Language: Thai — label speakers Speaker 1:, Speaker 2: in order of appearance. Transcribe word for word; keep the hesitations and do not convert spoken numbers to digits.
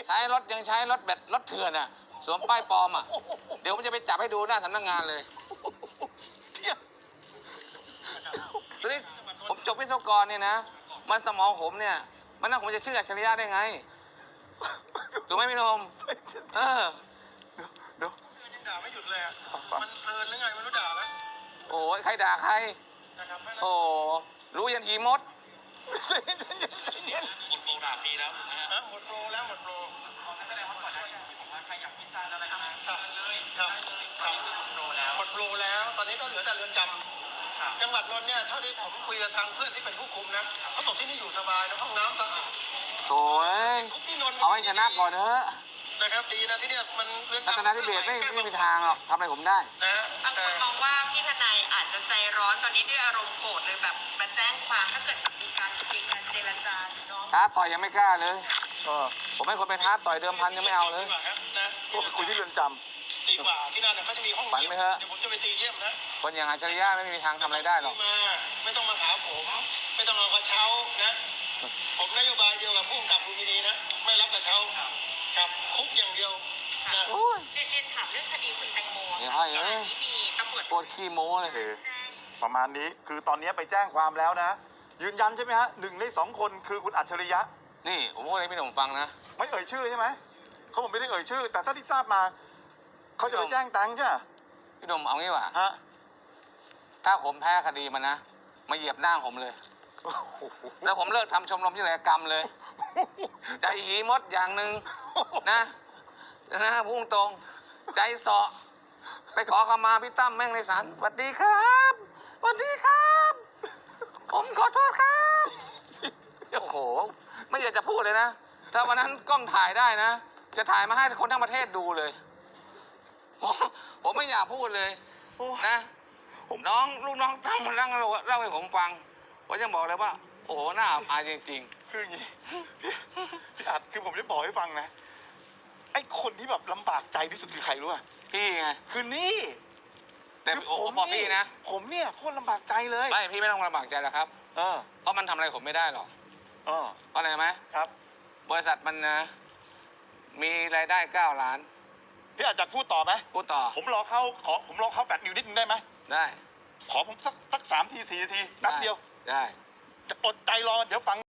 Speaker 1: ใช้รถยังใช้รถแบบรถเถื่อนอ่ะสวมป้ายปลอมอ่ะเดี๋ยวผมจะไปจับให้ดูหน้าสำนักงานเลยทีนี้ผมจบวิศวกรเนี่ยนะมันสมองผมเนี่ยมันน่าผมจะชื่ออัจฉริยะได้ไงถูกไหมพี่นมเออ
Speaker 2: เดี๋ยวยังด่าไม่หยุดเลยอ่ะมันเพลินหรือไงไม่รู้ด่าแล้ว
Speaker 1: โอ้ยใครด่าใครโอ้รู้ยันหีมด
Speaker 2: หมดโปรด่าฟรีแล้วนะหมดโปรแล้วหมดโปรแสดงว่าก่อนหน้านี้ผมว่าใครอยากวิจารณ์อะไรนะเลยครับครับหมดโปรแล้วหมดโปรแล้วตอนนี้ก็เหลือแต่เรือนจำจังหวัดนนท์เนี่ยเท่าที่ผมคุยกับทางเพื่อนที่เป็นผู้คุมนะเขาบอกที่นี่อยู่สบายนะห้องน้ำสะอาด
Speaker 1: โอ้ยเอาให้ชนะก่อนเถอะ
Speaker 2: นะครับดีนะที่เนี่ยมันเรือนจำ
Speaker 1: รัตนทิเบศไม่ไม่มีทางหรอกทำอะไรผมได้
Speaker 2: นะ
Speaker 3: บางคนมองว่าพี่ทนายอาจจะใจร้อนตอนนี้ด้วยอารมณ์โกรธเลยแบบมาแจ้งความถ้าเกิดมีการคุยกันเจรจาเนาะ
Speaker 1: ท้าต่อยยังไม่กล้าเลยผมไม่ควรเป็นท้าต่อยเดิมพันยังไม่เอาเลย
Speaker 2: นะ
Speaker 4: คุยที่เรือนจ
Speaker 2: ำดีกว่าที่นั่นเขาจะมีห้อง
Speaker 1: เยี่ยมเดี๋
Speaker 2: ยวผมจะไปตีเยี่ยมนะ
Speaker 1: คนอย่างอัจฉริยะไม่มีทางทำอะไรได้หรอก
Speaker 2: มาไม่ต้องมาหาผมไม่ต้องเอากระเช้านะผมนโยบายเดียวกับผู้กำกับลุมพินีนะไม่รับกระเช้ากับคุกอย่างเดียวนะ
Speaker 3: เรียนถามเรื่องคดีคุณแตงโม
Speaker 1: เนี่ยให้เอ้ย
Speaker 3: มีตำรวจ
Speaker 1: ปวดขี้โม้เลย
Speaker 4: ประมาณนี้คือตอนนี้ไปแจ้งความแล้วนะยืนยันใช่ไหมฮะหนึ่งในสองคนคือคุณอัจฉริยะ
Speaker 1: นี่ผมพูดให้พี่หนุ่มฟังนะ
Speaker 4: ไม่เอ่ยชื่อใช่ไหมเขาบอกไม่ได้เอ่ยชื่อแต่ถ้าที่ทราบมาเขาจะไปแจ้งแตงใช่ไหม
Speaker 1: พี่หนุ่มเอางี้ว่ะ
Speaker 4: ฮะ
Speaker 1: ถ้าผมแพ้คดีมันนะมาเหยียบหน้าผมเลยแล้วผมเลิกทำชมรมที่ไหนกรรมเลยใจหีมดอย่างหนึ่งนะนะพุ่งตรงใจเสาะไปขอขมาพี่ตั้มแม่งในศาลสวัสดีครับสวัสดีครับผมขอโทษครับโอ้โหไม่อยากจะพูดเลยนะถ้าวันนั้นกล้องถ่ายได้นะจะถ่ายมาให้คนทั้งประเทศดูเลยผมผมไม่อยากพูดเลยนะน้องลูกน้องตั้มมันเล่าเล่าให้ผมฟังผมจะบอกเลยว่าโอ้โหน่าอับอายจริง
Speaker 4: ๆคืออย่างนี้พี่อัดคือผมจะบอกให้ฟังนะไอ้คนที่แบบลำบากใจที่สุดคือใครรู้ป่ะ
Speaker 1: พี่ไง
Speaker 4: คือนี่
Speaker 1: แต่ผมบอกพี่นะ
Speaker 4: ผมเนี่ยโคตรลำบากใจเลย
Speaker 1: ไม่พี่ไม่ต้องลำบากใจหรอกครับ
Speaker 4: เออ
Speaker 1: เพราะมันทำอะไรผมไม่ได้หรอก
Speaker 4: เออ
Speaker 1: เพราะอะไรไหม
Speaker 4: ครับ
Speaker 1: บริษัทมันนะมีรายได้เก้าล้าน
Speaker 4: พี่อาจจะพูดต่อไหม
Speaker 1: พูดต่อ
Speaker 4: ผมรอเข้าขอผมรอเข้าแฟลชนิวนิดนึงได้ไหม
Speaker 1: ได้
Speaker 4: ขอผมสักสักสามทีสี่นาทีแป๊บเดียว
Speaker 1: ได้
Speaker 4: จะอดใจรอเดี๋ยวฟัง